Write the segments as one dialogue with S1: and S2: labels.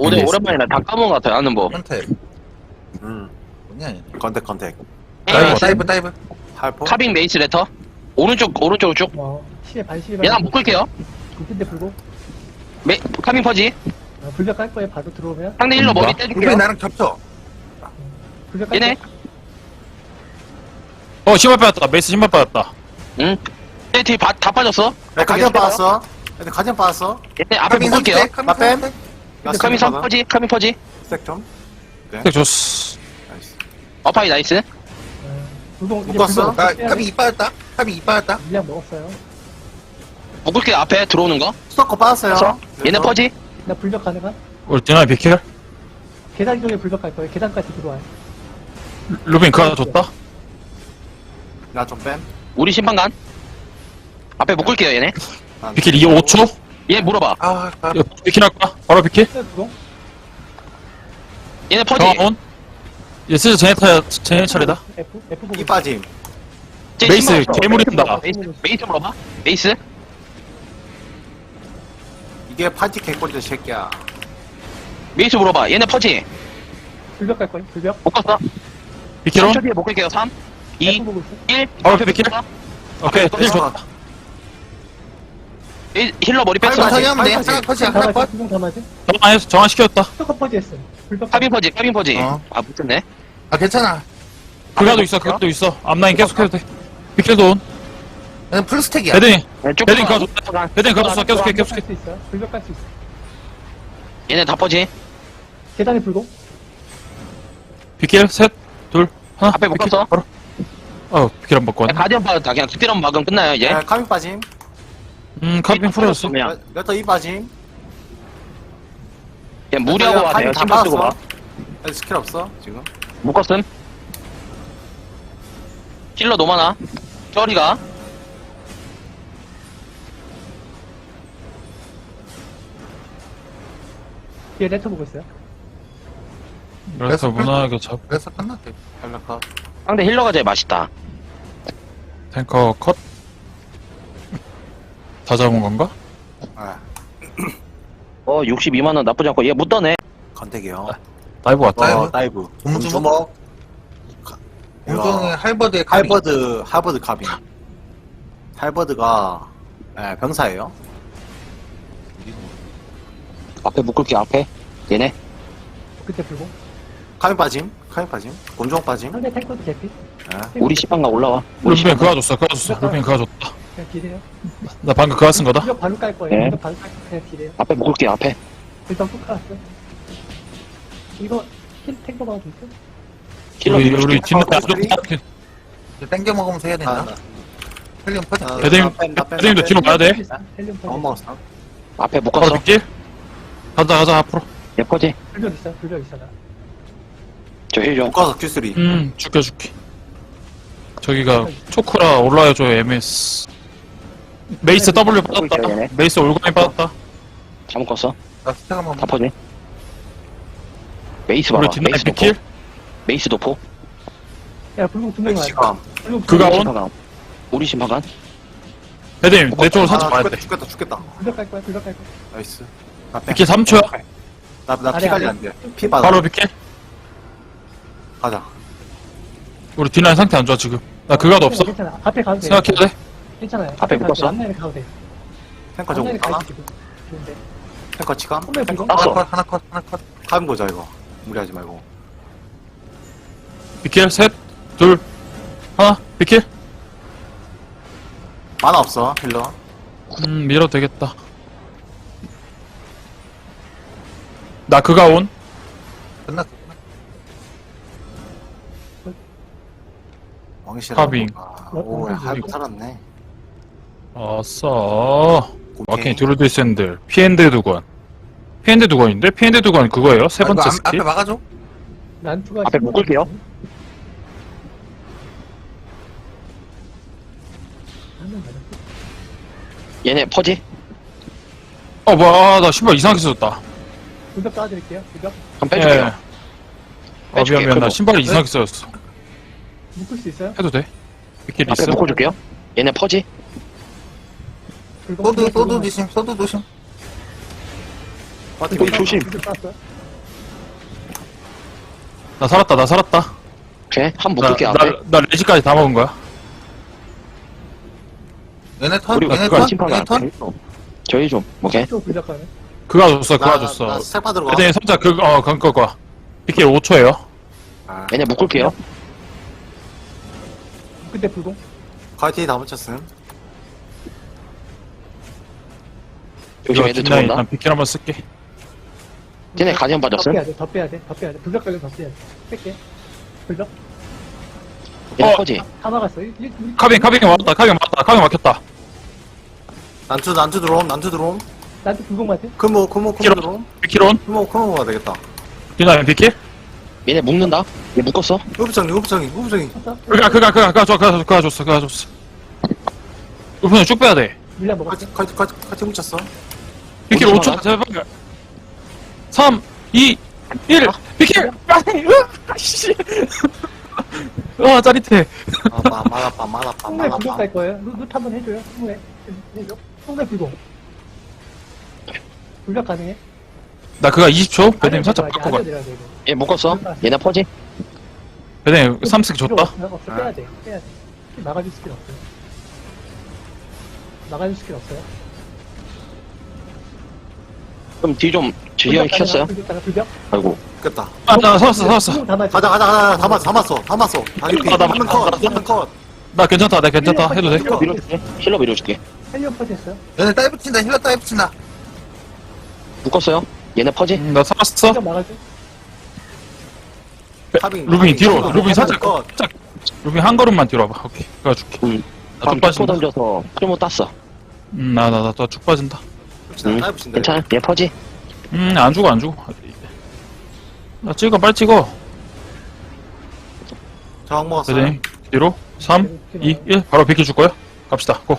S1: 오늘 오랜만이라 다 까먹은 것 같아요. 아는 뭐.
S2: 컨택.
S3: 음.
S2: 뭐냐, 얘.
S3: 컨택.
S2: 다이브.
S3: 할포?
S1: 카빙 메이스 레터. 오른쪽으로 쭉.
S4: 시에 반 시에 반.
S1: 얘나 묶을게요.
S4: 굴인데 불고.
S1: 카빙 퍼지.
S4: 불벽 깔 거에 바로 들어오면.
S1: 상대 힐러 머리
S2: 우리
S1: 떼줄게요.
S2: 나랑 겹쳐.
S4: 불벽 깔
S1: 얘네.
S5: 신발 빠졌다. 메이스 신발 빠졌다.
S1: 응. 얘 뒤에 다 빠졌어.
S3: 야, 가디언 빠졌어. 애들 가디언 빠졌어.
S1: 얘네 앞에 묶을게요.
S3: 나 뺨.
S1: 카빙 선 퍼지. 카빙 퍼지.
S3: 스택 좀.
S5: 네, 좋스.
S3: 나이스.
S1: 어파이 나이스.
S4: 불공 이제
S3: 묶었어?
S4: 불벽
S2: 나 탑이 이빠졌다. 탑이 이빠졌다.
S4: 물량 먹었어요.
S1: 묶을게요. 앞에 들어오는 거.
S3: 스토커 빠졌어요.
S1: 얘네 퍼지.
S4: 나 불벽 가능한?
S5: 우리 디나이 비킬.
S4: 계단 쪽에 불벽 갈 거예요. 계단까지 들어와요.
S5: 루빈 그거 하나 줬다.
S3: 나좀 뺨.
S1: 우리 심판관. 앞에 묶을게요. 얘네.
S5: 비킬 2, 5초.
S1: 얘 물어봐.
S2: 아,
S5: 비킬 할까? 바로 비킬.
S4: 불공.
S1: 얘네 퍼지.
S5: 정원. 얘 슬슬 쟤네 차례다.
S4: F 보고.
S3: 이 빠짐.
S1: 쟤
S5: 메이스
S1: 신발 없어.
S5: 괴물이다.
S1: 메이스 물어봐. 메이스.
S3: 이게 파티 개꼴이다, 새끼야.
S1: 메이스 물어봐. 얘네 퍼지.
S4: 불벽 갈 거예요. 불벽.
S1: 묶었어.
S5: 비킬온.
S1: 3초 뒤에 묶을게요. 3, 2,
S4: F 보고 있어.
S1: 1.
S5: 바로 비킬. 오케이. 힐 줬다.
S1: 힐러 머리 뺐어.
S3: 빨리
S2: 천천히 하면 돼.
S3: 빨리
S2: 하나 컷이
S4: 다
S2: 하나
S4: 맞아.
S2: 컷.
S4: 불공 다 맞아.
S5: 정한 시켰다.
S4: 스토커 퍼지 했어. 불벽.
S1: 카빙 퍼지.
S2: 어.
S1: 아, 붙었네.
S2: 아, 괜찮아.
S5: 그가도 있어. 그것도 있어. 앞라인 계속 해도 돼. 비킬도 온.
S2: 그냥 풀스택이야.
S5: 헤딩.
S1: 왼쪽
S5: 헤딩
S1: 거.
S5: 가줬다. 헤딩 가줬어. 계속해.
S4: 갈수 있어. 불벽 갈 수 있어.
S1: 얘네 다 퍼지.
S4: 계단에 불공.
S5: 비킬 셋, 둘, 하나.
S1: 앞에
S5: 비킬,
S1: 묶었어?
S5: 바로. 비킬 안 받고 왔네.
S1: 가디언 받았다. 그냥 그때랑 막으면 끝나요, 이제.
S3: 야, 카빙 빠짐.
S5: 카빙 풀어졌어.
S1: 그냥.
S3: 레터 이 빠짐.
S1: 그냥 무리하고 와세요.
S3: 카빙 다
S1: 신발 쓰고 와.
S3: 빠졌어. 애들 스킬 없어, 지금.
S1: 묶었음. 힐러 노마나. 쩌리가.
S4: 뒤에 레터 보고 있어요.
S5: 그래서 무난하게 잡.
S2: 그래서 끝났대.
S3: 헬라카.
S1: 상대 힐러가 제일 맛있다.
S5: 탱커 컷. 다 잡은 건가?
S3: 아,
S1: 62만원 나쁘지 않고. 얘 묻더네.
S3: 컨택이요.
S5: 다이브 왔다.
S3: 다이브.
S2: 곰주먹. 공정의 할버드의 카빙.
S3: 할버드 카빙. 할버드가, 예, 병사예요.
S1: 앞에 묶을게, 앞에. 얘네.
S4: 그때 불공.
S3: 카빙 빠짐. 곤종 빠짐.
S4: 상대 탱커도 개피.
S3: 예.
S1: 우리 시방가 올라와. 우리
S5: 루빈
S1: 시방가.
S5: 그거 줬어. 루빈 그거 줬다.
S4: 그냥 딜해요.
S5: 나 방금 그거 쓴 거다.
S4: 불벽 바로 깔 거예요.
S1: 네.
S4: 불벽 바로 깔 거예요. 그냥 딜해요.
S1: 앞에 묶을게, 앞에.
S4: 일단 훅 깔았어. 이거 힐 탱커 나오고 있어?
S1: 힐러
S5: 우리
S1: 묶을게.
S5: 뒷날 안 좋다.
S2: 이제 땡겨 먹으면서 해야 된다. 헬륨 퍼지.
S5: 배드님도 뒤로 봐야 돼.
S4: 헬륨 퍼지.
S3: 먹었어.
S1: 앞에
S5: 바로
S1: 묶었어.
S5: 비킬. 가자 앞으로.
S1: 얘 퍼지.
S4: 불벽 있어. 불벽 있어. 나.
S1: 저 힐 좀.
S3: 묶어서 Q3.
S5: 줄게. 저기가 초크라 올라와줘 MS. 메이스 W 빠졌다.
S1: 얘네.
S5: 메이스 올가미 빠졌다.
S1: 다 묶었어.
S2: 나 스택 한번.
S1: 다 퍼지. 메이스 봐봐.
S5: 우리 뒷날
S1: 메이스 도포.
S5: 비킬.
S1: 메이스 도포.
S4: 야 불공 두명 와요.
S3: 시감.
S4: 불공
S5: 그가
S1: 우리
S5: 온?
S1: 심판관. 우리 심판관.
S5: 배드님 내 쪽으로 살짝 봐야 돼.
S3: 죽겠다.
S4: 불벽 깔 거야. 불벽 깔 거야.
S3: 나이스. 나 뺨.
S5: 비킬 3초야.
S3: 나
S4: 아래,
S3: 피 관리
S4: 아래.
S3: 안 돼. 피 받아.
S5: 바로 비킬.
S3: 가자.
S5: 우리 뒷라인 상태 안 좋아 지금. 나 그가도 없어.
S4: 괜찮아. 앞에 가도 돼.
S5: 생각해야 돼.
S4: 괜찮아요.
S1: 앞에
S4: 가도
S1: 묶었어?
S4: 돼. 앞라인에 가도 돼.
S3: 탱커 좀
S4: 앞라인에
S3: 가나?
S4: 가도 돼. 좋은데.
S3: 탱커 치감?
S4: 선배 불공.
S1: 땄어.
S2: 하나 컷.
S3: 가면 보자, 이거. 무리하지 말고.
S5: 비킬 셋, 둘, 하나. 비킬.
S3: 만화 없어, 힐러.
S5: 밀어도 되겠다. 나 그가 온.
S2: 끝났어.
S3: 왕실.
S5: 카빙.
S3: 오, 할부 살았네.
S5: 아싸.
S3: 오케이.
S5: 마킹 드루드 샌들. 피엔드 두건. 피엔드 두건인데? 피엔드 두건 그거예요? 세 번째
S2: 앞에
S5: 스킬?
S2: 막아줘.
S4: 난투가
S1: 앞에 묶을게요.
S4: 한명 맞았어.
S1: 얘네 퍼지.
S5: 뭐야. 나 신발 이상하게 써졌다.
S4: 불벽 깔아드릴게요. 불벽.
S1: 한번 빼줄게요.
S5: 예.
S1: 빼줄게요,
S5: 미안. 나
S1: 그거.
S5: 신발이 이상하게 써졌어.
S4: 묶을 수 있어요?
S5: 해도 돼? 비킬
S1: 앞에
S5: 있어?
S1: 묶어줄게요. 얘네 퍼지.
S4: 불공.
S2: 소드 조심.
S1: 우리 조심.
S4: 불벽 깔았어.
S5: 나 살았다.
S1: 오케이. 한
S5: 나,
S1: 묶을게, 앞에.
S5: 나 레지까지 다 먹은 거야.
S2: 얘네 턴?
S1: 우리
S2: 얘네
S1: 그거
S2: 턴?
S1: 심판관
S2: 얘네 턴?
S1: 저희 좀, 오케이.
S4: 또 불작가네.
S5: 그가 줬어.
S3: 나색 받으러 가.
S5: 배드님 살짝 그거. BK 5초에요.
S3: 아,
S1: 얘네 묶을게요.
S4: 그때 불공.
S3: 가이티 다 붙였음.
S1: 조심, 애들 들어온다.
S5: 난 BK 한번 쓸게.
S1: 쟤네 가디언
S4: 더
S1: 받았음.
S4: 빼야 돼. 더 빼야 돼. 불작 가면 더 빼야 돼. 뺄게. 불작.
S1: 얘네
S5: 어.
S1: 퍼지.
S4: 다 막았어.
S5: 카빙 막혔다.
S3: 난투 들어옴.
S4: 나한테 불공 맞아?
S3: 금호
S5: 키로.
S3: 들어옴.
S5: BK론.
S3: 금호 가야 되겠다.
S5: 기다려 BK.
S1: 얘네 묶는다. 얘 묶었어.
S3: 우부장이.
S4: 쳤어?
S5: 그가 줬어. 우편을 쭉 빼야 돼.
S4: 물량 먹었어?
S3: 가이티 묻혔어.
S5: BK
S1: 어디서
S5: 5초
S1: 나가?
S5: 제발. 3, 2, 1. BK. 씨. 짜릿해.
S3: 맞았다.
S4: 통로에 불공 깔 거예요. 루트 한번 해줘요. 통로에. 해줘. 통로에 불공. 불작 가능해?
S5: 나 그가 20초. 배드님
S4: 아래로
S5: 살짝
S4: 내려가야 돼,
S5: 바꿔봐.
S4: 아래로 내려가야 돼, 이거.
S1: 얘 묶었어. 얘네 퍼지.
S5: 배드님 3스틱
S4: 필요
S5: 줬다.
S4: 없어. 빼야 돼. 막아줄 스킬 없어요. 막아줄 스킬 없어요.
S1: 그럼 뒤 좀, 지휘형이 켰어요.
S4: 불작.
S1: 아이고.
S3: 됐다.
S5: 나 살았어.
S3: 가자. 다 맞았어. 다리피.
S5: 나
S3: 한명 컷.
S5: 나 괜찮다. 해도 돼.
S1: 힐러 밀어줄게. 힐러 밀어줄게.
S4: 헬리온 퍼지 했어요.
S2: 얘네 다이브 친다. 힐러 다이브 친다.
S1: 묶었어요. 얘네 퍼지.
S5: 나 살았어.
S4: 불작 막아줘.
S5: 루빈이 뒤로. 루빈이 살짝.
S3: 컷.
S5: 루빈 한 걸음만 뒤로 와봐. 오케이. 그가 줄게.
S1: 응.
S5: 나쭉
S1: 초
S5: 빠진다.
S1: 던져서 풀모 땄어.
S5: 나쭉 빠진다.
S1: 응. 괜찮아. 얘 퍼지.
S5: 안 죽어. 나 빨리 찍어.
S3: 저항 먹었어.
S5: 배드님 뒤로. 3, 2, 1. 바로 비킬 줄 거야? 갑시다. 고.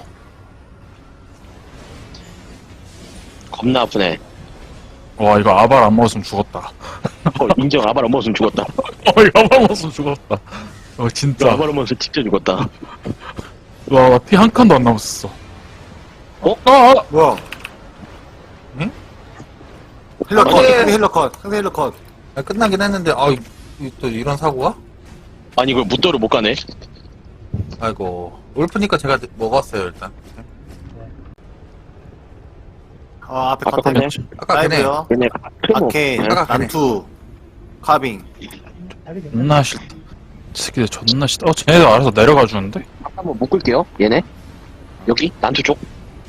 S1: 겁나 아프네.
S5: 와, 이거 아발 안 먹었으면 죽었다.
S1: 인정. 아발 안 먹었으면 죽었다.
S5: 이거 아발 먹었으면 죽었다. 진짜.
S1: 아발 안 먹었으면 진짜 죽었다.
S5: 와, 피 한 칸도 안 남았어.
S1: 어?
S3: 뭐야?
S2: 응?
S3: 힐러 컷.
S2: 어제-
S3: 상대 힐러 컷.
S2: 아, 끝나긴 했는데, 또 이런 사고가?
S1: 아니, 이걸 무도를 못 가네.
S2: 아이고. 울프니까 제가 먹었어요, 일단.
S3: 앞에
S1: 아까
S3: 컨텐츠.
S1: 컨텐츠.
S2: 아까 걔네.
S3: 라이브요.
S1: 얘네 풀모.
S3: 아케인.
S2: 아까 걔네.
S3: 난투. 카빙.
S4: 다리 괜찮아.
S5: 존나 싫다. 이 새끼들 존나 싫다. 쟤네들 알아서 내려가 주는데?
S1: 한번 묶을게요. 얘네. 여기 난투 쪽.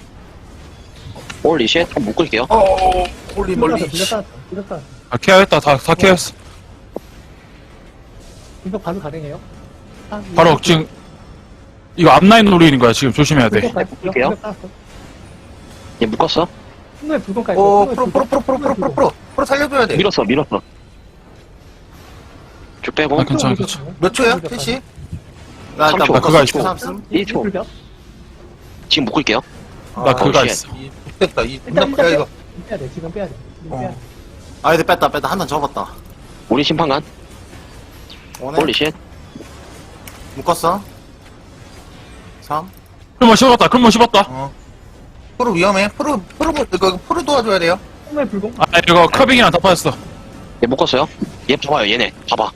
S1: 올리 쉣. 한번 묶을게요.
S2: 홀리
S4: 불작
S2: 멀리.
S4: 불작 불작
S5: 케어했다. 다 케어했어.
S4: 이거 바로 가능해요?
S5: 바로 지금, 이거 앞라인 노리는 거야. 지금 조심해야 돼.
S1: 볼게요. 얘 묶었어.
S4: 통로에 불공 깔
S2: 오,
S4: 거예요.
S2: 프로 살려줘야 돼.
S1: 밀었어. 쭉 빼고.
S5: 아, 괜찮아.
S2: 몇 초야? 캐시?
S3: 나 일단
S1: 3초.
S5: 나 그거 있어.
S3: 3씀.
S1: 1초.
S4: 불작.
S1: 지금 묶을게요.
S5: 나 그가
S1: 쉣.
S5: 있어.
S2: 됐다.
S4: 일단
S2: 야, 이거.
S4: 빼야 돼. 지금 빼야 돼. 지금 빼야 돼.
S3: 아이들 뺐다. 한 단 접었다.
S1: 우리 심판관.
S3: 오네.
S1: 올리 쉣.
S3: 묶었어. 3.
S5: 클모 씹었다.
S2: 프로 위험해. 프로 도와줘야 돼요.
S4: 통로에 불공.
S5: 이거 커빙이랑 다 빠졌어.
S1: 얘 묶었어요. 얘 봐봐요. 얘네. 봐봐.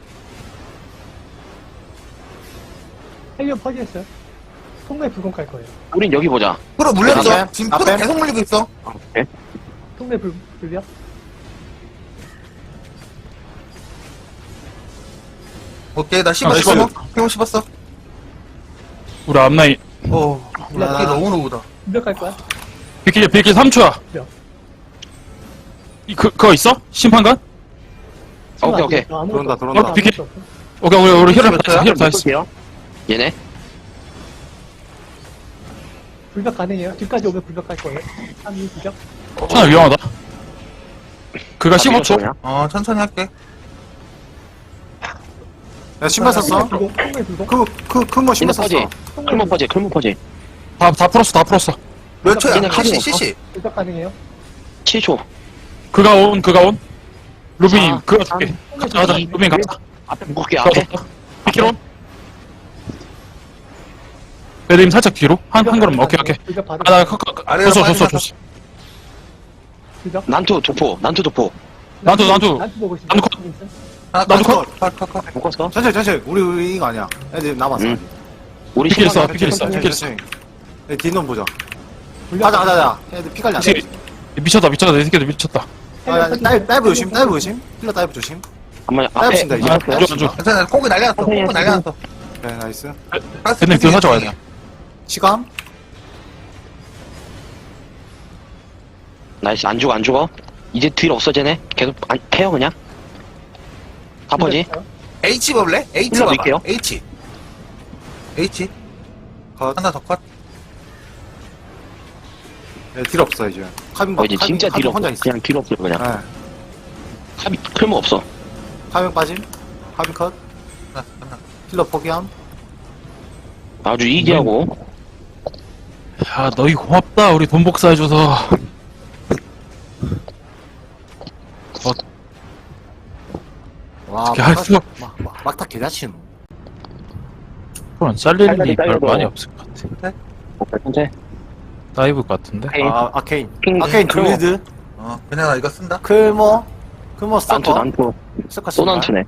S4: 헬리온 퍼지 했어요. 통로에 불공 깔 거예요.
S1: 우린 여기 보자.
S2: 프로 물렸어.
S3: 앞에?
S2: 지금
S3: 앞에?
S2: 프로 계속 물리고 있어.
S1: 오케이.
S4: 통로에 불작.
S2: 오케이, 나 씹었어.
S5: 씹어요.
S2: 형 씹었어.
S5: 우리 앞라인.
S2: 오, 이게 너무 노우다.
S4: 불작 깔 거야.
S5: 비킬 3초야.
S4: 몇?
S5: 그거 있어? 심판관?
S1: 오케이.
S3: 들어온다.
S5: 비킬. 오케이, 우리 힐업 다 했어.
S1: 묶을게요. 얘네.
S4: 불작 가능해요. 뒤까지 오면 불작 깔 거예요. 3, 2, 불작.
S5: 천하 위험하다. 그가 15초.
S2: 천천히 할게.
S3: 야, 신발 샀어?
S4: 통로에 불공.
S3: 큰거 신발
S1: 얘네 퍼지.
S3: 샀어.
S1: 클모 퍼지.
S5: 다 풀었어.
S2: 몇 초야?
S1: 얘네 카드
S2: CC.
S4: 불작 가능해요.
S1: 7초.
S5: 그가 온. 루빈이
S1: 아,
S5: 그거 줄게. 가자. 루빈 가자.
S1: 앞에 묶을게. 앞에.
S5: 비키론. 배드님 살짝 뒤로. 한 걸음. 오케이.
S4: 불작 받을
S5: 나
S2: 아래로
S5: 줬어.
S4: 불작.
S1: 난투 도포.
S5: 난투.
S4: 난투 보고 있어.
S5: 난투 컷. 나도
S2: 컷.
S1: 묶었어.
S3: 천천히. 우리 이거 아니야. 애들 남았어.
S1: 응. 우리
S5: 피킬
S1: 신발
S5: 있어, 피킬 있어, 피킬 있어.
S3: 네, 뒷놈 보자. 가자. 애들 피 관리 안 돼.
S5: 미쳤다, 내 새끼들 미쳤다.
S3: 다이브 조심. 힐러 다이브 조심.
S1: 한번
S3: 다이브
S1: 앞에
S3: 친다, 이제.
S5: 안 줘.
S2: 괜찮아. 콩이 날려놨어.
S3: 네, 나이스.
S5: 걔네 그 가져와야 돼.
S3: 시감.
S1: 나이스. 안 죽어. 이제 딜 없어 쟤네. 계속 안 패요 그냥. 가퍼지.
S2: H 볼래? H
S1: 힐러
S2: 봐봐.
S1: 밀게요.
S2: H.
S3: 컷.
S2: 하나 더 컷.
S3: 네, 딜 없어, 이제. 카빈
S1: 이제 진짜 딜 없어.
S3: 혼자 있어.
S1: 그냥 딜 없어 그냥.
S3: 네.
S1: 탑이 클모 없어.
S3: 카빈 빠짐. 카빈 컷.
S2: 하나.
S3: 힐러 포기함.
S1: 아주 이기하고.
S5: 야, 너희 고맙다. 우리 돈 복사해줘서.
S3: 와,
S5: 어떻게 할 수가
S3: 막다 개자치노.
S5: 그럼 잘릴 일이 별
S1: 다이브.
S5: 많이 없을 것 같아.
S1: 현재
S5: 다이브 같은데?
S1: 페인.
S3: 아케인.
S1: 킹,
S3: 아케인
S1: 클모.
S3: 둘리드.
S2: 그냥 나 이거 쓴다.
S3: 클모
S1: 난투
S3: 스토커.
S1: 난투.
S3: 스토커
S1: 또 난투네.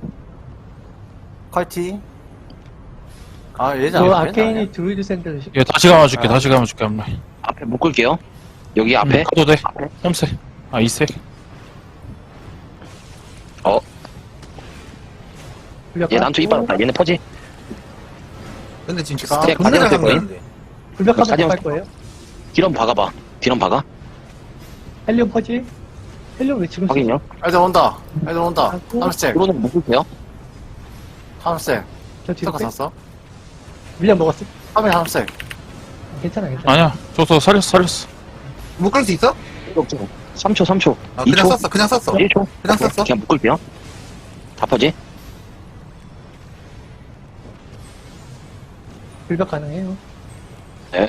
S3: 컬티. 얘잖아.
S4: 저 아케인이 드루이드 샌들
S5: 얘 다시 감아줄게, 한번.
S1: 앞에 묶을게요. 여기 앞에.
S5: 가도 돼.
S1: 앞에.
S5: 3색. 2색.
S1: 얘 난투 이빨았다. 얘네 퍼지.
S2: 근데 지금
S3: 아,
S2: 스택
S1: 가져갈
S2: 존나 잘
S1: 거임?
S2: 감는데.
S4: 불벽 한번
S1: 가디언
S4: 할 거예요.
S1: 딜런 박아봐. 딜런 박아.
S4: 헬리온 퍼지. 헬리온 왜 지금
S1: 확인요.
S3: 애들 온다.
S4: 하고.
S3: 함스tek.
S1: 프로는 묶을게요.
S3: 함스tek.
S4: 저 뒤로
S3: 스토커
S4: 빼.
S3: 샀어.
S4: 밀려 먹었어.
S3: 카빈 함스tek.
S4: 괜찮아.
S5: 아니야. 줬어, 살렸어.
S2: 묶을 수 있어?
S1: 3초.
S2: 그냥
S1: 2초.
S2: 썼어. 그냥 썼어.
S1: 1초.
S2: 그냥 썼어.
S1: 그냥 묶을게요. 다 퍼지.
S4: 불벽 가능해요.
S1: 네.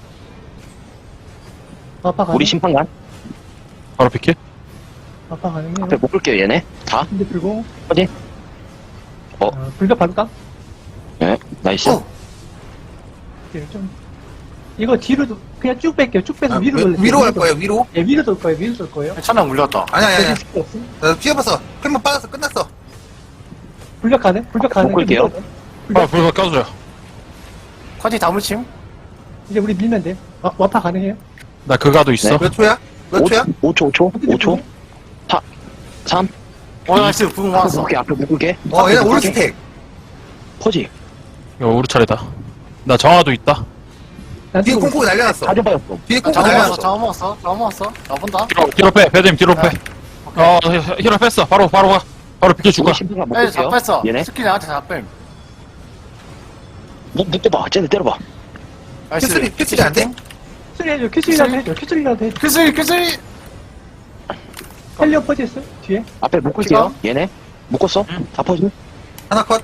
S4: 아빠 가능.
S1: 우리 심판관.
S5: 바로 피킬?
S4: 아빠 가능해요.
S1: 앞에 묶을게요 얘네. 다.
S4: 근데 불고.
S1: 퍼지.
S4: 불벽 바꿀까?
S1: 네. 나이스.
S4: 네, 좀. 이거 뒤로 그냥 쭉 뺄게요. 쭉 빼서 위로 돌릴게요.
S2: 위로 갈 거예요. 위로.
S4: 예, 위로 돌 거예요.
S3: 차량 물렸다.
S2: 아니야.
S4: 여기 스킬 없음.
S2: 나 피해봤어. 클만 빠졌어. 끝났어.
S4: 불벽 가능? 불벽 가능.
S1: 바꿀게요.
S5: 불가 껴줘요.
S3: 컬티 다물침.
S4: 이제 우리 밀면 돼. 와파 가능해요?
S5: 나 그가도 있어.
S2: 몇 초야? 몇 초야?
S1: 5초. 4, 3.
S3: 나이스. 부흥
S1: 앞에
S3: 왔어.
S1: 묶을게. 앞에 묶을게.
S2: 얘네 올 스택.
S1: 퍼지.
S5: 이거 우리 차례다. 나 정화도 있다.
S4: 난
S2: 뒤에
S4: 지금
S2: 콩콩이 날려놨어.
S1: 가져봐였어.
S2: 뒤에 콩콩이
S3: 잡아
S2: 날려놨어.
S3: 먹었어. 나 본다.
S5: 뒤로 빼. 배드님 뒤로 빼. 힐러 뺐어. 바로 가. 바로 비켜줄까?
S1: 우리 심판관
S3: 애들
S1: 묶을게요.
S3: 잡혔어.
S1: 얘네.
S3: 스킬 나한테 잡힘.
S1: 묶어봐. 쟤네 때려봐.
S2: 큐슬이 안 돼?
S4: 큐슬이 해줘. 큐슬이라도 해줘. 큐슬이라도 해줘.
S3: 큐슬이.
S4: 헬리온 퍼지 했어? 뒤에?
S1: 앞에 묶을게요. 얘네. 묶었어? 다 퍼지.
S2: 하나 컷.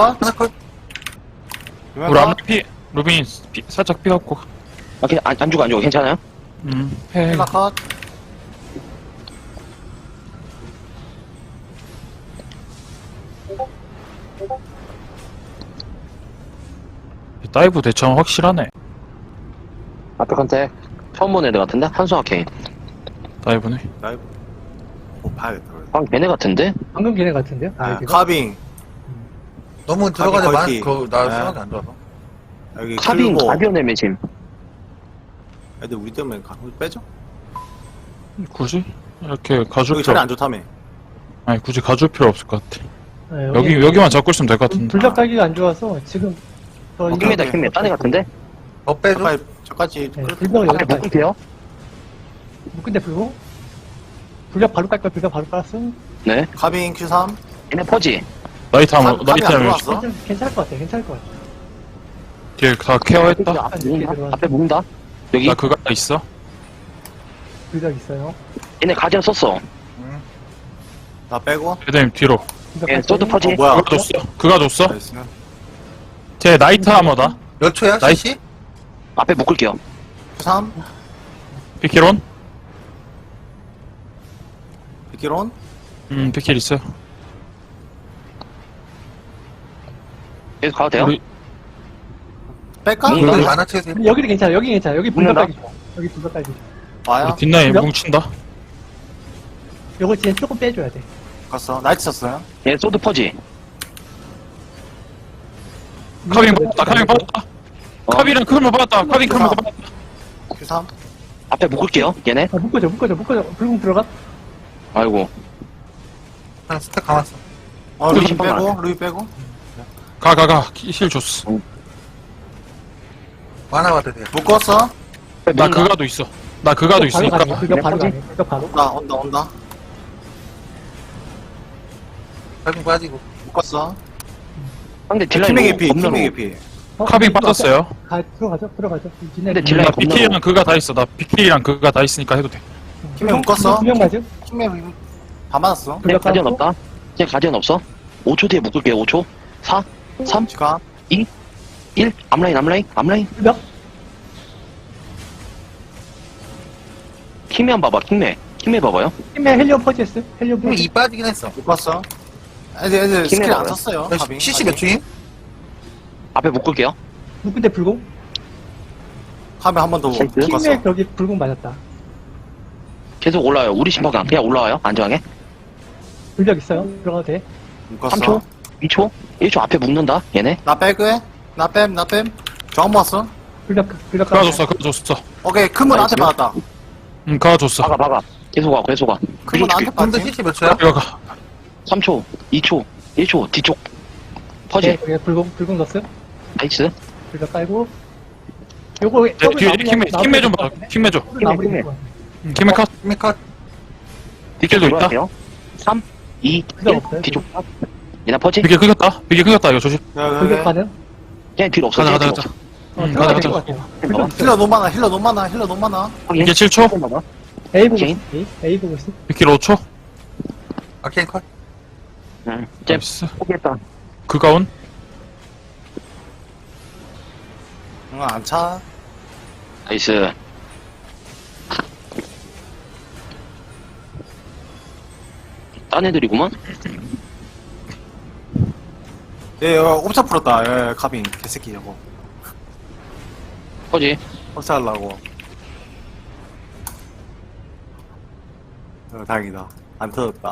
S5: 우리 앞에 루빈 살짝 삐갖고.
S1: 그냥 안 죽어. 괜찮아요?
S5: 해.
S3: 힐러 컷.
S5: 다이브 대처는 확실하네.
S1: 앞에 컨택. 처음 본 애들 같은데? 한수아 케인.
S5: 다이브네.
S3: 봐야겠다.
S1: 걔네 같은데?
S4: 방금 걔네 같은데요? 여기가?
S3: 카빙.
S2: 너무 들어가지 마.
S3: 걸기.
S2: 나
S3: 네.
S2: 생각이 안 좋아서.
S3: 여기
S1: 카빙
S3: 클보.
S1: 가디언의 매짐.
S3: 애들 우리 때문에 빼죠?
S5: 굳이? 이렇게 가줄
S3: 여기
S5: 필요
S3: 자리 안 좋다며.
S5: 아니 굳이 가줄 필요 없을 것 같아.
S4: 네,
S5: 여기만 잡고 있으면 될 것 같은데.
S4: 불벽 가기가 안 좋아서 지금
S1: 킹메다 킹메. 딴애 같은데?
S2: 더 빼줘.
S3: 빨리 저까지.
S4: 네, 불벽을
S1: 앞에
S4: 여기다
S1: 묶을게요.
S4: 묶은데 불고 불벽 바로 깔 거야. 불벽 바로 깔았어.
S1: 네.
S3: 카빙 Q3.
S1: 얘네 퍼지.
S5: 나이트 하면
S3: 카빙 안 들어왔어?
S4: 괜찮을 것 같아.
S5: 뒤에 다 케어했다.
S1: 앞에 묶는다. 앞에 묶는다. 여기.
S5: 나 그가 있어.
S4: 불벽 있어요.
S1: 얘네 가디언 썼어.
S3: 나 빼고.
S5: 배드님 뒤로.
S4: 불벽
S1: 얘
S4: 깔
S1: 소드
S4: 거예요.
S1: 퍼지.
S3: 뭐야?
S5: 그가 줬어.
S3: 나이스.
S5: 쟤 나이트 하머다.
S2: 몇 초야?
S5: 나이스.
S2: CC?
S1: 앞에 묶을게요.
S3: Q3.
S5: 피킬온?
S3: 비키론.
S5: 피킬 있어요.
S1: 계속 가도 돼요?
S5: 우리
S3: 뺄까?
S1: 뭔가?
S2: 여기 많아 채우세요.
S4: 여기도 괜찮아. 여기 괜찮아. 여기 불벽
S1: 묶는다?
S4: 깔기 좋아. 여기 불벽 깔기 좋아.
S3: 와요.
S5: 뒷라인
S4: 그래요?
S5: 뭉친다.
S4: 요거 진짜 조금 빼줘야 돼.
S3: 갔어. 나이트 쳤어요.
S1: 얘 소드 퍼지.
S5: 카빙 받았다, 카빙 받았다. 카빙이랑 큰거 받았다, 카빙 큰거 받았다.
S3: Q3.
S1: 앞에 묶을게요, 얘네.
S4: 아, 묶어줘. 불공 들어가.
S1: 아이고.
S2: 그냥 스택 감았어.
S3: 루이
S1: 신발
S3: 빼고, 루이 빼고.
S5: 가. 힐 줬어.
S2: 하나 봐도 돼요.
S3: 묶었어.
S5: 나 그가도 있어. 나 그가도 있으니까.
S4: 그거 바로 가네. 그거 바로.
S3: 온다.
S2: 빨리 빠지고.
S3: 묶었어.
S1: 상대 딜라인
S3: 팀의 개피,
S1: 겁나
S3: 팀의
S1: 높고.
S3: 개피.
S5: 카빙 빠졌어요.
S4: 들어가죠.
S1: 근데
S5: 나
S1: 딜라인 겁나
S5: BK랑
S1: 높고.
S5: 그가 다 있어. 나 BK랑 그가 다 있으니까 해도 돼.
S3: 팀에 묶었어.
S4: 두명 맞음?
S3: 팀에 다 맞았어.
S1: 쟤 가디언 없다. 쟤 가디언 없어. 5초 뒤에 묶을게요, 5초. 4, 3,
S3: 시간.
S1: 1. 앞라인.
S4: 불벽.
S1: 킹맨 봐봐, 킹맨 봐봐요.
S4: 팀에 헬리온 퍼지했어. 헬리온
S2: 힘이
S4: 퍼지.
S2: 이 빠지긴 했어.
S3: 묶었어. 애들 스킬 안
S1: 봐요.
S3: 썼어요. 카빙.
S2: CC 몇 중임?
S1: 앞에 묶을게요.
S4: 묶은데 불공?
S3: 카빙 한 번 더
S1: 나이스.
S3: 묶었어.
S4: 팀에 저기 불공 맞았다.
S1: 계속 올라와요. 우리 심판관 그냥 올라와요. 안정하게.
S4: 불벽 있어요. 들어가도 돼.
S3: 묶었어.
S1: 3초, 2초, 1초 앞에 묶는다. 얘네.
S3: 나 빼고 나 뺨. 저항 모았어.
S4: 불벽
S5: 그가 줬어.
S3: 오케이, 큰문 나한테
S1: 나이스.
S3: 받았다.
S5: 그가 줬어.
S1: 박아. 계속 가.
S3: 큰문 나한테
S2: 근데
S3: 받았지.
S2: CC 몇 초야?
S5: 그가 가.
S1: 3초, 2초, 1초, 뒤쪽. 퍼지.
S4: 네, 여기 불공 넣었어요.
S1: 나이스.
S4: 불벽 깔고. 요거
S5: 뒤에 킹매 좀 봐. 킹매 줘.
S4: 마무리.
S1: 킹매.
S5: 킹매 컷.
S2: 힘이 컷.
S5: 뒷길도 있다.
S1: 들어갈게요. 3, 2,
S4: 그거
S1: 1.
S4: 없어요,
S1: 뒤쪽. 얘네 퍼지.
S5: 비계 크겠다. 이거 조심.
S4: 불벽 가능?
S1: 얘네 뒤로 없어.
S5: 가자.
S1: 없어.
S4: 들어가야
S5: 가자.
S4: 될것 같아요. 불벽
S1: 봐봐.
S4: 있어요.
S3: 힐러 너무 많아.
S1: 확인.
S5: 이게 7초.
S1: 봐봐.
S4: A 보고
S1: 개인?
S4: 있어. A 보고 있어.
S5: 비킬 5초.
S2: 아케인 컷.
S1: 응. 쟤
S5: 나이스.
S1: 포기했다.
S5: 그가 온.
S3: 응, 안 차.
S1: 나이스. 딴 애들이구만.
S3: 옵차 풀었다. 카빙. 개새끼 저거.
S1: 퍼지.
S3: 옵차 하려고. 다행이다. 안 터졌다.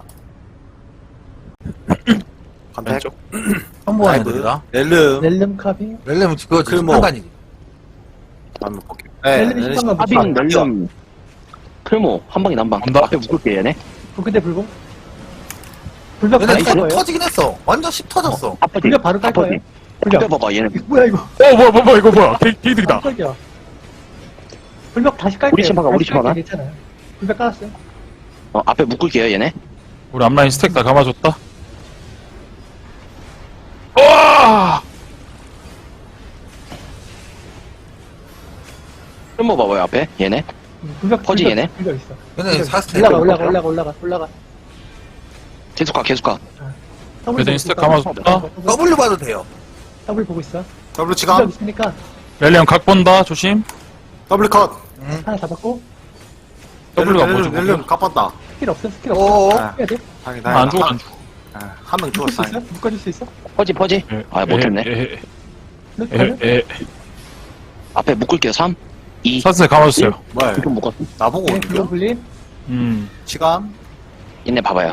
S3: 컨택.
S5: 왼쪽.
S2: 선보하는 애들이다.
S3: 렐름.
S4: 렐름 카빙.
S2: 렐렘은 그거
S3: 클모.
S2: 상관이지.
S3: 안 먹게.
S4: 렐름이 시간만
S1: 하빈, 널름, 풀모, 한 방에 난방.
S5: 온다.
S1: 앞에 묶을게, 얘네.
S4: 근데 불공? 불벽
S2: 얘네
S4: 바로 깔 거예요?
S2: 터지긴 했어. 완전 10 터졌어.
S1: 앞에
S4: 불벽 바로 깔 거예요?
S1: 앞에
S4: 불벽.
S1: 봐봐, 얘네.
S4: 뭐야 이거?
S5: 뭐야, 이거 뭐야. 게이득이다.
S4: 깜짝이야. 불벽 다시 깔게요.
S1: 우리 집 막아, 우리
S4: 다시
S1: 집 막아.
S4: 깔게요. 괜찮아요. 불벽 깔았어요.
S1: 앞에 묶을게요, 얘네.
S5: 우리 앞라인 스택 다 감아줬다. 와!
S1: 풀모 봐봐요, 앞에. 얘네.
S4: 불벽
S1: 퍼지,
S4: 불벽,
S1: 얘네?
S4: 불벽 있어.
S2: 얘네 4스택.
S4: 올라가.
S1: 계속 가.
S4: 더블
S5: 배드인
S4: 보고
S5: 스택
S4: 있어.
S5: 감아줬다.
S2: W 봐도 돼요.
S4: 더블 보고 있어.
S3: 더블
S4: 불벽
S3: 치감.
S4: 있으니까
S5: 렐리언 각 본다. 조심.
S3: 더블 컷.
S2: 응.
S4: 하나 잡았고
S5: W가 뭐죠?
S3: 렐름 갚았다.
S4: 스킬 없어.
S2: 오오.
S3: 아,
S4: 해야 돼.
S3: 다행이다.
S5: 안 죽어.
S3: 한명
S4: 묶을 수
S3: 죽었어.
S4: 있어? 묶어줄 수 있어?
S1: 퍼지. 아, 못했네. 앞에 묶을게요, 3, 2,
S5: 사슬 감아줬어요.
S3: 뭐야?
S1: 좀 묶었어.
S3: 나보고
S4: 네,
S3: 오는겨?
S4: 불공 불림.
S3: 치감.
S1: 얘네 봐봐요.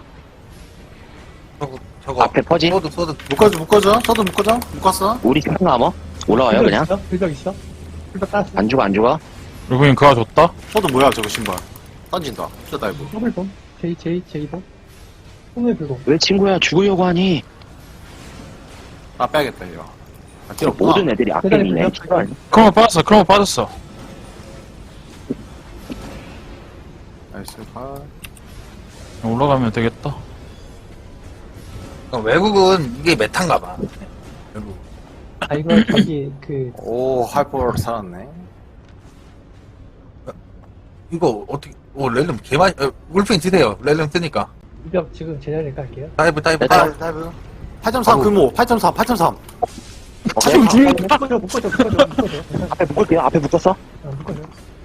S2: 저거.
S1: 앞에 퍼지.
S2: 소드.
S3: 묶어줘. 저도 묶었어.
S1: 우리 심판 아머 올라와요,
S4: 불벽
S1: 그냥.
S4: 있어? 불벽 있어? 불벽 깔았어.
S1: 안 죽어.
S5: 루브인 그가 줬다.
S3: 저도 뭐야 저거 신발. 던진다. 저 다이브.
S4: 더블 봄. 제이봄. 꿈의 불공.
S1: 왜 친구야, 죽으려고 하니?
S3: 나 빼야겠다 이거. 아, 뒤로
S1: 모든 애들이 악행이네.
S4: 대단히
S5: 크로모 빠졌어.
S3: 나이스. 아,
S5: 올라가면 되겠다.
S2: 외국은 이게 메탄가 봐. 외국.
S4: 아 이거 저기 그
S3: 오 하이퍼 살았네.
S2: 이거 어떻게? 오 렐렘 개많이. 울프인 드세요. 렐렘 뜨니까.
S4: 불벽 지금 제자리에 깔게요.
S2: 다이브.
S1: 메탈.
S3: 다이브. 8.3 규모. 8.3.
S4: 묶어줘.
S1: 앞에 묶을게요. 앞에 묶었어.
S4: 묶어줘.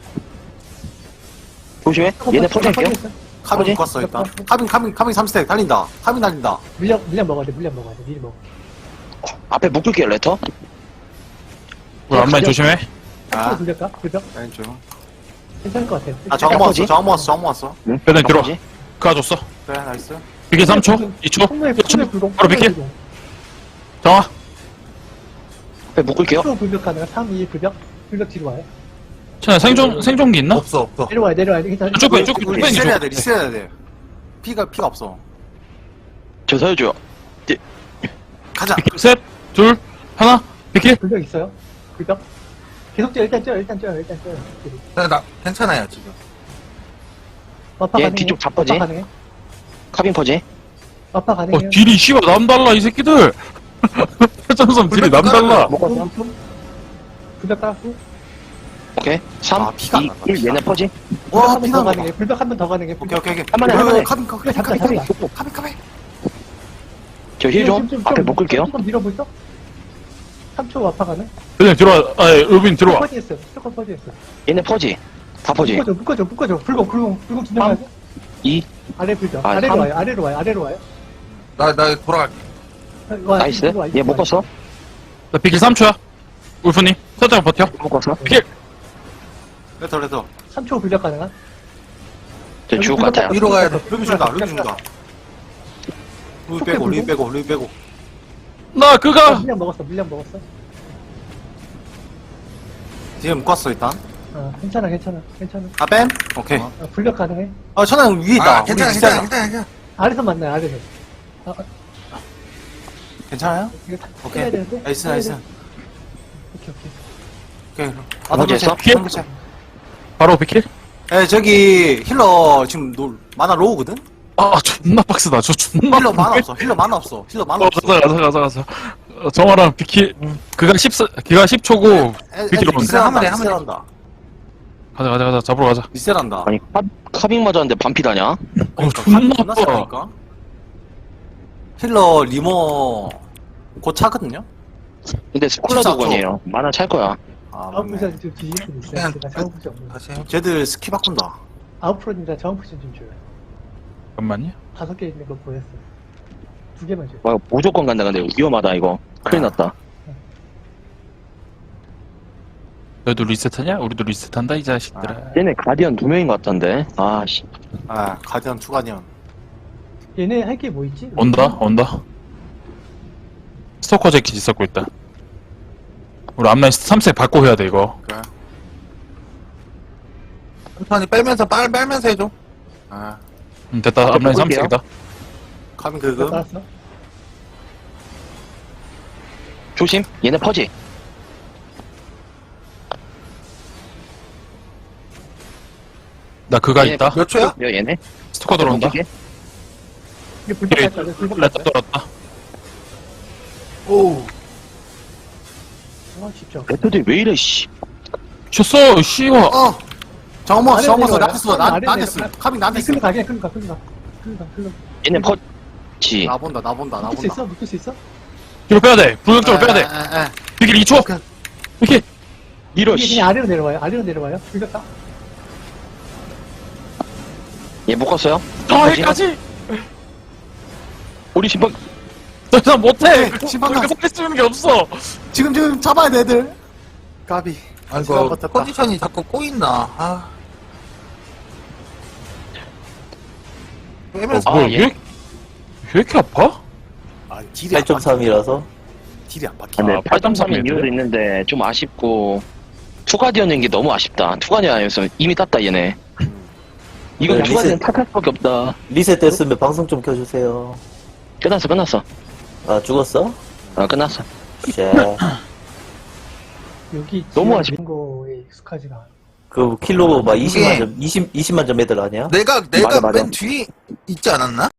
S1: 조심해. 얘네 포장할게요.
S3: 카빙
S1: 뭐지?
S3: 묶었어 일단. 카빙 3스택 달린다. 카빙 달린다.
S4: 물량 먹어야 돼. 미리 먹어.
S1: 앞에 묶을게요, 레터.
S5: 우리 앞라인 조심해.
S3: 아,
S4: 불벽 가? 불벽?
S3: 왼쪽.
S4: 괜찮을 것 같아.
S3: 아, 저항 모았어.
S1: 퍼지?
S3: 저항 모았어.
S1: 응?
S5: 배드인 들어.
S1: 퍼지?
S5: 그가 줬어.
S3: 그래, 나이스.
S5: 비킬 3초? 2초?
S4: 풍물
S5: 1초?
S4: 불공.
S5: 바로 비킬? 정화.
S1: 앞에 묶을게요.
S4: 로 불벽 가능한 3, 2, 불벽. 불벽 뒤로 와요.
S5: 자, 생존기 있나?
S2: 없어.
S4: 내려와요, 내려와요. 일단
S5: 쭉 빼, 쭉
S3: 우리
S5: 빼,
S3: 리셋해야
S5: 쭉
S3: 돼, 리셋해야 돼. 피가 없어.
S1: 저 살려줘요.
S3: 가자.
S5: 비킬 셋, 둘, 하나, 비킬.
S4: 불벽 있어요. 불벽. 계속 뛰어, 일단 뛰어요.
S2: 나 괜찮아요 지금.
S4: 마파
S1: 얘
S4: 가능해.
S1: 뒤쪽 다 퍼지?
S4: 마파 가능해.
S1: 카빈 퍼지.
S4: 마파 가능해요.
S5: 딜이 씨발 남달라, 이 새끼들. 회전섬 딜이 남달라.
S1: 먹었어.
S4: 불벽 깔았고.
S1: 오케이. 3,
S3: 아, 피가 안
S1: 2,
S3: 난다,
S1: 1
S3: 피가.
S1: 얘네 퍼지.
S4: 불벽
S3: 와,
S4: 한 번
S3: 피나
S4: 더
S3: 먹어.
S4: 가능해. 불벽 한 번 더 가능해.
S3: 오케이.
S1: 한 번에.
S3: 카빈.
S4: 잡자.
S1: 저 힐 좀 앞에 묶을게요.
S4: 조금 밀어볼까? 3초 마파 가능?
S5: 그냥 들어와, 루빈 들어와.
S4: 퍼지했어. 조금 퍼지했어.
S1: 얘네 퍼지. 다 퍼지.
S4: 묶어줘. 불공 진정하자.
S1: 2.
S4: 아래 불벽.
S1: 아,
S4: 아래로
S1: 삼.
S4: 와요. 아래로 와요.
S2: 나 돌아갈게.
S1: 나이스. 얘 묶었어.
S5: 나 비킬 3초야. 울프님, 살짝 버텨.
S1: 묶었어.
S5: 비킬.
S3: 레터.
S4: 3초 불벽 가능한?
S1: 저 죽을 것 같아요.
S2: 위로 가야 돼.
S3: 루비 준다. 루비 빼고.
S5: 나 그가.
S4: 물량 먹었어.
S3: 뒤에 묶었어, 일단.
S4: 괜찮아.
S3: 아, 뺨? 오케이.
S4: 불벽 가능해?
S3: 천안 위에 있다.
S2: 아 괜찮아.
S4: 아래서 만나요. 아래서.
S3: 괜찮아요?
S4: 이거 다
S3: 오케이.
S4: 해야 되는데?
S3: 나이스.
S4: 오케이.
S3: 오케이.
S1: 됐어?
S5: 바로 비킬.
S3: 저기 힐러 지금 만화 로우거든?
S5: 아, 존나 빡세다. 저 존나.
S3: 힐러 만화 없어.
S5: 가자. 정화랑 비킬. 그가 10초고. 비킬 오는데.
S3: 리셋한다.
S5: 가자. 잡으러 가자.
S3: 리셋한다.
S1: 아니, 카빙 맞았는데 반피다냐?
S5: 존나 아파.
S3: 세다니까? 힐러 리모 곧 차거든요?
S1: 근데 스콜라
S3: 14초.
S1: 도건이에요. 만화 찰 거야.
S3: 아,
S4: 아웃푸시
S3: 맞네.
S4: 좀 뒤질 수도 있어요.
S2: 그냥
S4: 제가 자원푸시 없는.
S2: 다시 해.
S3: 쟤들 스키 바꾼다.
S4: 아웃프로님과 자원푸시 좀 줘요.
S5: 잠깐만요.
S4: 5개 있는 거 보였어. 2개만 줘요.
S1: 와, 무조건 간다. 근데 위험하다, 이거. 큰일 났다.
S5: 너희도 리셋하냐? 우리도 리셋한다, 이 자식들아.
S1: 얘네 가디언 2명인 것 같던데. 아, 씨.
S3: 아, 가디언, 투가디언.
S4: 얘네 할 게 뭐 있지?
S5: 온다. 스토커 재킷 있었고, 일단. 우리 앞라인 3세 받고 해야 돼, 이거.
S3: 그래.
S2: 천천히 빨면서 해줘.
S3: 아,
S5: 됐다.
S1: 앞에
S5: 앞라인
S1: 볼게요.
S5: 3세이다.
S3: 카빈 그거?
S4: 나왔어?
S1: 조심. 얘네 퍼지.
S5: 나 그가
S1: 얘네
S5: 있다.
S2: 몇 초야?
S1: 얘네.
S5: 스토커 들어온다.
S1: 어떻게?
S4: 이게 불벽
S5: 예,
S4: 갔다. 불벽
S5: 렛다
S4: 갔다.
S5: 떨었다.
S2: 오.
S4: 진짜.
S1: 레터들이 왜 이래, 씨.
S5: 쳤어, 씨와.
S3: 정모
S4: 아래
S3: 나한테
S4: 내려와요.
S3: 써.
S4: 아래
S3: 나한테 써.
S4: 내려와요.
S3: 카빈 나한테 써.
S4: 끌고 가.
S1: 얘네 퍼지.
S3: 나 본다.
S4: 묶을 수 있어?
S5: 뒤로 빼야 돼. 불격적으로 빼야 돼. 비킬 2초. 비킬.
S1: 밀어,
S4: 이게
S1: 씨.
S4: 그냥 아래로 내려와요. 불벽 가.
S1: 얘 묶었어요.
S5: 여기까지.
S1: 우리 심판,
S5: 더 이상 못해.
S3: 심판 가.
S5: 그렇게 쓰는 게 없어.
S3: 지금 잡아야 돼, 애들. 까비.
S2: 아이고
S3: 시간 버텼다.
S2: 컨디션이 자꾸 꼬인다. 아. 빼면서
S5: 뭐야,
S1: 예.
S5: 왜 이렇게 아파?
S3: 아, 딜이 안
S6: 8.3이라서
S3: 딜이 안 박혀.
S1: 네,
S5: 아,
S1: 8.3인
S5: 8.3
S1: 이유도 있는데 좀 아쉽고 투가디언인 게 너무 아쉽다. 투가디언 아니었으면 이미 땄다 얘네. 이건
S6: 네,
S1: 투가디언
S6: 리셋.
S1: 탓할 수밖에 없다.
S6: 리셋 됐으면 방송 좀 켜주세요.
S1: 끝났어.
S6: 아 죽었어?
S1: 끝났어.
S6: 쉣.
S4: 여기
S1: 너무
S4: 지하
S1: 아쉽-
S4: 있는 거에 익숙하지가 않아.
S6: 그 킬로 막
S2: 이게-
S6: 20만 점 애들 아니야?
S2: 내가
S1: 맞아.
S2: 맨 뒤에 있지 않았나?